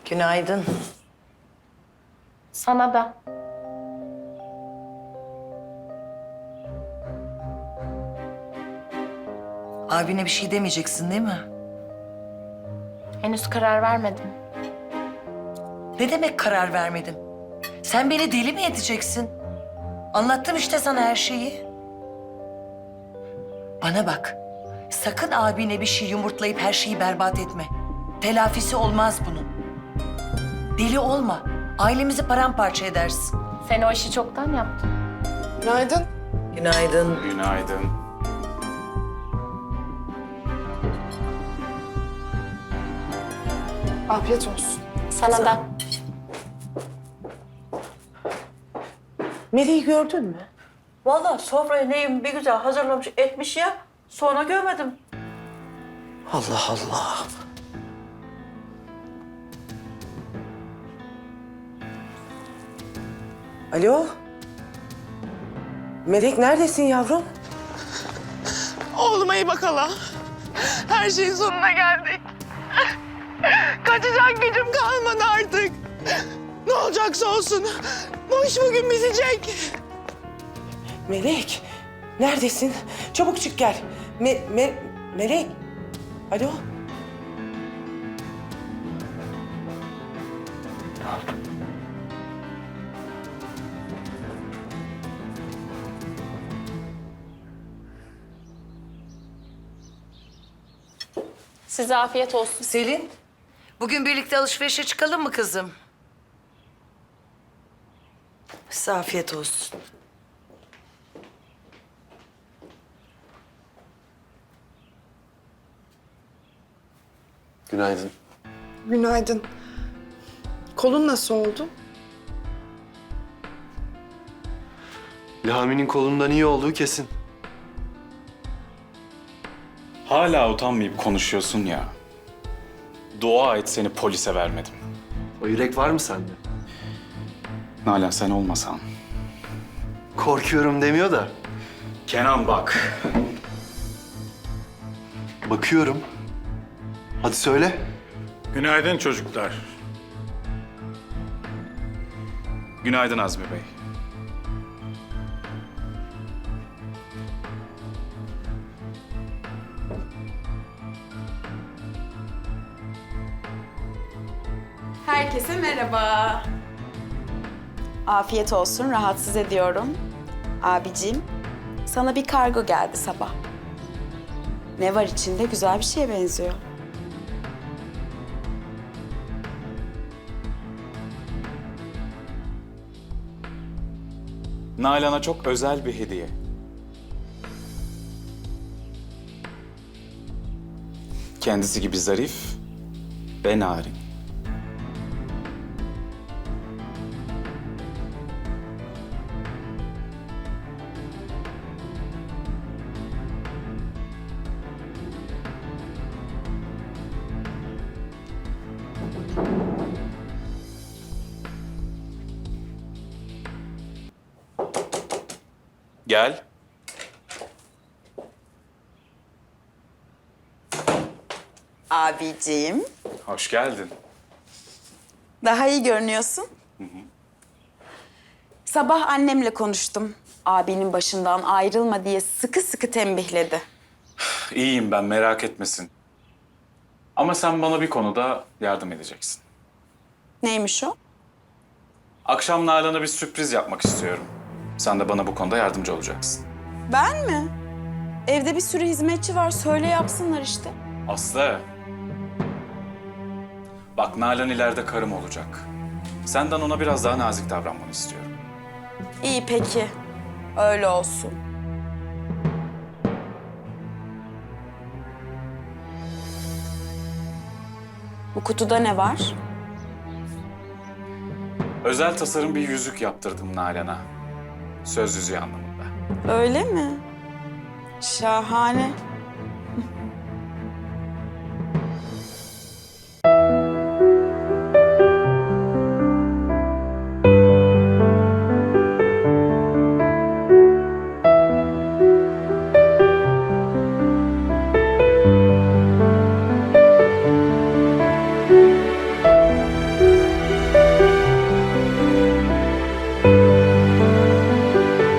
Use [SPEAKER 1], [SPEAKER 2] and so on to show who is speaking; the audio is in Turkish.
[SPEAKER 1] Günaydın.
[SPEAKER 2] Sana da.
[SPEAKER 1] Abine bir şey demeyeceksin değil mi?
[SPEAKER 2] Henüz karar vermedim.
[SPEAKER 1] Ne demek karar vermedim? Sen beni deli mi edeceksin? Anlattım işte sana her şeyi. Bana bak. Sakın abine bir şey yumurtlayıp her şeyi berbat etme. Telafisi olmaz bunun. Deli olma. Ailemizi paramparça edersin.
[SPEAKER 2] Sen o işi çoktan yaptın.
[SPEAKER 3] Günaydın.
[SPEAKER 1] Günaydın.
[SPEAKER 4] Günaydın.
[SPEAKER 3] Afiyet olsun.
[SPEAKER 2] Sana da.
[SPEAKER 3] Melih'i gördün mü?
[SPEAKER 5] Vallahi sofrayı neyim bir güzel hazırlamış etmiş ya. Sonra görmedim.
[SPEAKER 3] Allah Allah. Alo? Melek neredesin yavrum?
[SPEAKER 6] Oğluma iyi bak hala. Her şeyin sonuna geldik. Kaçacak gücüm kalmadı artık. Ne olacaksa olsun. Bu iş bugün bitecek.
[SPEAKER 3] Melek, neredesin? Çabuk çık gel. Melek. Alo?
[SPEAKER 2] Size afiyet olsun.
[SPEAKER 1] Selin, bugün birlikte alışverişe çıkalım mı kızım? Size afiyet olsun.
[SPEAKER 7] Günaydın.
[SPEAKER 8] Günaydın. Kolun nasıl oldu?
[SPEAKER 7] Lami'nin kolundan iyi olduğu kesin.
[SPEAKER 4] Hala utanmayıp konuşuyorsun ya. Dua et seni polise vermedim.
[SPEAKER 7] O yürek var mı sende?
[SPEAKER 4] Nalan sen olmasan.
[SPEAKER 7] Korkuyorum demiyor da.
[SPEAKER 4] Kenan bak.
[SPEAKER 7] Bakıyorum. Hadi söyle.
[SPEAKER 9] Günaydın çocuklar.
[SPEAKER 4] Günaydın Azmi Bey.
[SPEAKER 10] Herkese merhaba. Afiyet olsun, rahatsız ediyorum. Abicim, sana bir kargo geldi sabah. Ne var içinde? Güzel bir şeye benziyor.
[SPEAKER 4] Nalan'a çok özel bir hediye. Kendisi gibi zarif ve narin. Gel.
[SPEAKER 10] Abicim,
[SPEAKER 4] Hoş geldin.
[SPEAKER 10] daha iyi görünüyorsun. Sabah annemle konuştum. Abinin başından ayrılma diye sıkı sıkı tembihledi.
[SPEAKER 4] İyiyim ben, merak etmesin. Ama sen bana bir konuda yardım edeceksin.
[SPEAKER 10] Neymiş o?
[SPEAKER 4] Akşam Nalan'a bir sürpriz yapmak istiyorum. Sen de bana bu konuda yardımcı olacaksın.
[SPEAKER 10] Ben mi? Evde bir sürü hizmetçi var, söyle yapsınlar işte.
[SPEAKER 4] Aslı. Bak Nalan ileride karım olacak. Senden ona biraz daha nazik davranmanı istiyorum.
[SPEAKER 10] İyi peki, öyle olsun. Bu kutuda ne var?
[SPEAKER 4] Özel tasarım bir yüzük yaptırdım Nalan'a. Söz yüzüğü anlamında.
[SPEAKER 10] Öyle mi? Şahane.